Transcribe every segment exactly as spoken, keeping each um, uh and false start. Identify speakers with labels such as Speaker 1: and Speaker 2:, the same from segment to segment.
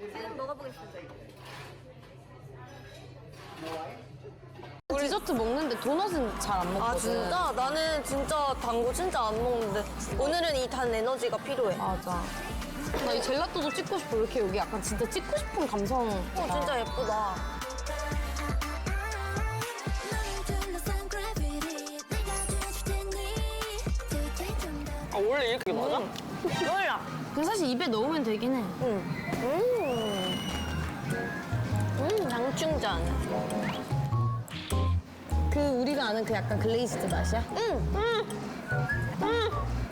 Speaker 1: 지금 먹어보겠습니다.
Speaker 2: 디저트 먹는데 도넛은 잘 안 먹거든.
Speaker 1: 아 진짜? 나는 진짜 단 거 진짜 안 먹는데 오늘은 이 단 에너지가 필요해.
Speaker 2: 맞아. 나 이 젤라또도 찍고 싶어. 이렇게 여기 약간 진짜 찍고 싶은 감성.
Speaker 1: 어 진짜 예쁘다.
Speaker 3: 아 원래 이렇게 맞아?
Speaker 1: 몰라.
Speaker 2: 근데 사실 입에 넣으면 되긴 해.
Speaker 1: 응. 음. 음, 장충전.
Speaker 2: 그 우리가 아는 그 약간 글레이스드 맛이야?
Speaker 1: 응. 음. 음.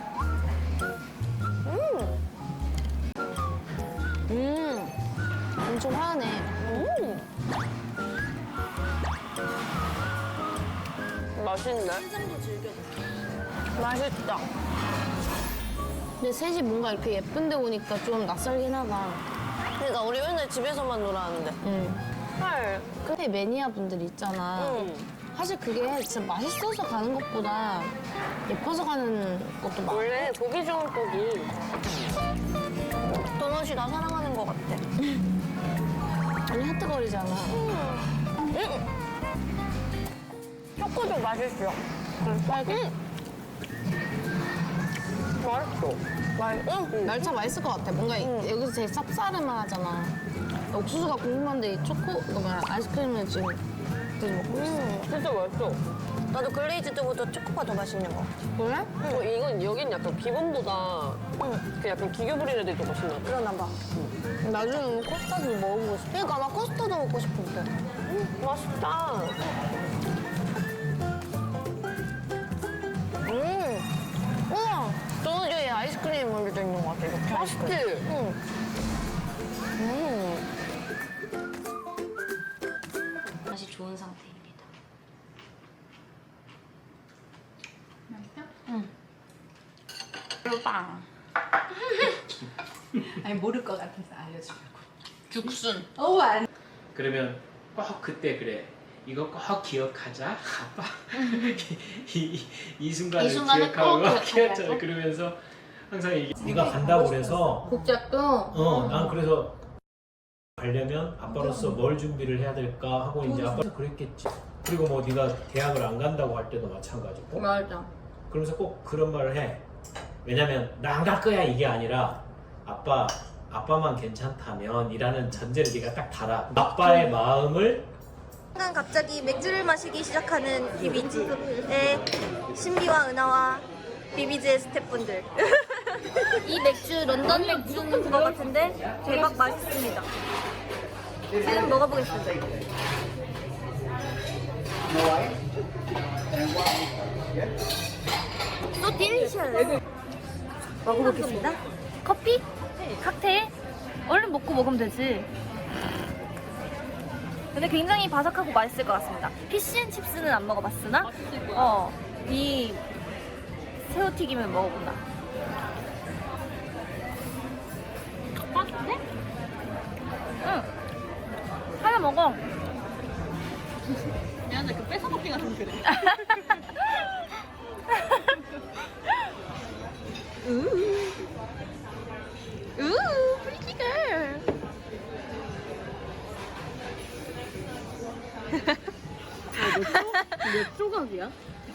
Speaker 1: 음.
Speaker 2: 음. 엄청 화하네.
Speaker 1: 음.
Speaker 3: 맛있네.
Speaker 1: 맛있다.
Speaker 2: 근데 셋이 뭔가 이렇게 예쁜 데 오니까 좀 낯설긴 하다.
Speaker 1: 그러니까 우리 맨날 집에서만 놀았는데.
Speaker 2: 응.
Speaker 1: 헐.
Speaker 2: 근데 매니아 분들 있잖아.
Speaker 1: 응.
Speaker 2: 사실 그게 진짜 맛있어서 가는 것보다 예뻐서 가는 것도 많아.
Speaker 3: 원래 보기 좋은 떡이
Speaker 1: 도넛이 나 사랑하는 것 같아.
Speaker 2: 아니 하트거리잖아.
Speaker 1: 응. 초코도 맛있어.
Speaker 2: 빨개?
Speaker 3: 맛있어.
Speaker 1: 맛있어? 응.
Speaker 2: 날차 맛있을 것 같아. 뭔가 이-
Speaker 1: 응.
Speaker 2: 여기서 제일 쌉싸름하잖아. 옥수수가 궁금한데 이 초코, 이거 뭐야, 아이스크림을 지금 계속 먹고 있어.
Speaker 1: 음.
Speaker 3: 진짜 맛있어.
Speaker 1: 나도 글레이즈드보다 초코가 더 맛있는 것 같아.
Speaker 2: 그래?
Speaker 3: 어, 이건 여긴 약간 기본보다
Speaker 1: 응.
Speaker 3: 그 약간 기교 부리는 애들이 더 맛있나 봐.
Speaker 1: 그러나 봐.
Speaker 2: 나중에 코스타드 먹어보고 싶어.
Speaker 1: 그러니까 나 커스터드 먹고 싶은데.
Speaker 3: 음, 맛있다.
Speaker 1: 음. 우와. 도넛에 아이스크림 올려져 있는 것 같아. 이렇게.
Speaker 3: 맛있지?
Speaker 1: 응. 음.
Speaker 2: 맛이 좋은 상태입니다.
Speaker 1: 빵.
Speaker 4: 아니 모를 것 같아서 알려주려고.
Speaker 2: 죽순.
Speaker 4: 어 안.
Speaker 5: 그러면 꼭 그때 그래. 이거 꼭 기억하자. 아빠. 이, 이, 이 순간을
Speaker 2: 이 순간을 꼭
Speaker 5: 기억하고
Speaker 2: 기억하자고?
Speaker 5: 기억하자. 그러면서 항상 이게 네가 간다고 그래서
Speaker 2: 복잡도?
Speaker 5: 어, 난 그래서 가려면 아빠로서 뭘 준비를 해야 될까 하고 이제 아빠 그랬겠지. 그리고 뭐 네가 대학을 안 간다고 할 때도 마찬가지고.
Speaker 2: 맞아.
Speaker 5: 그러면서 꼭 그런 말을 해. 왜냐면 나 안 갈 거야 이게 아니라 아빠 아빠만 괜찮다면 이라는 전제를 네가 딱 달아. 아빠의 마음을
Speaker 1: 순간 갑자기 맥주를 마시기 시작하는 비비지의 신비와 은하와 비비지의 스태프분들. 이 맥주 런던 맥주는 그거 같은데 대박 맛있습니다. 지금 먹어보겠습니다. 또 딜리셔스. 먹어보겠습니다.
Speaker 6: 커피? 칵테일? 얼른 먹고 먹으면 되지. 근데 굉장히 바삭하고 맛있을 것 같습니다. 피쉬앤칩스는 안 먹어봤으나 어, 이 새우튀김을 먹어본다. 맛있네? 응. 하나 먹어.
Speaker 4: 미안해 그 뺏어먹기가 좀 그래.
Speaker 1: 우, 프리티걸.
Speaker 4: 몇 조각이야?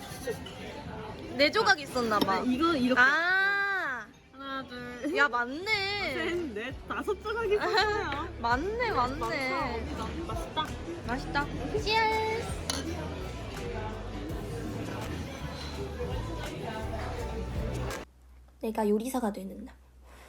Speaker 1: 네 조각 있었나 봐.
Speaker 4: 이거 이렇게
Speaker 1: 아,
Speaker 4: 하나 둘.
Speaker 1: 야 맞네.
Speaker 4: 셋, 넷, 다섯 조각이 있어요.
Speaker 1: 맞네, 맞네.
Speaker 4: 맛있다.
Speaker 1: 맛있다. 치얼. 내가 요리사가 되는 날.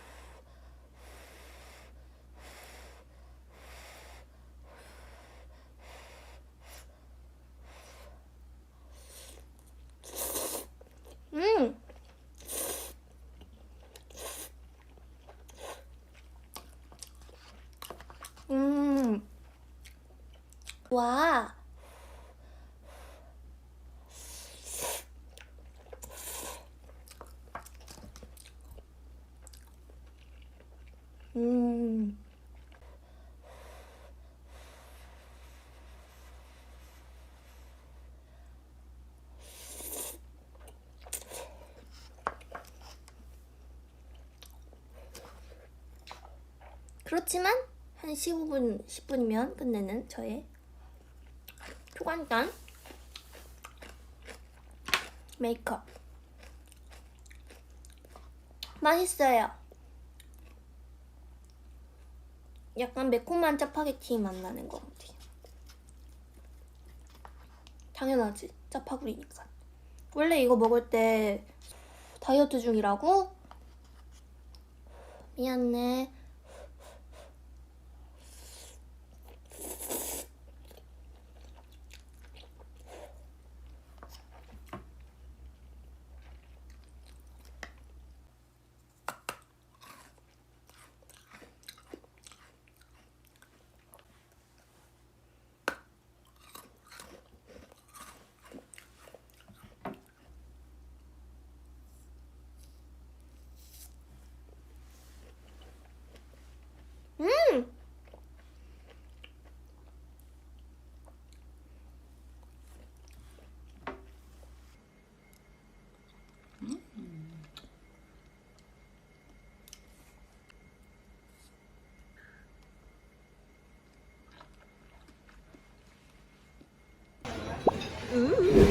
Speaker 1: 음. 음. 와. 음. 그렇지만 한 십오 분, 십 분이면 끝내는 저의 초간단 메이크업. 맛있어요. 약간 매콤한 짜파게티 맛 나는 것 같아요. 당연하지, 짜파구리니까. 원래 이거 먹을 때 다이어트 중이라고? 미안해. 음! 음.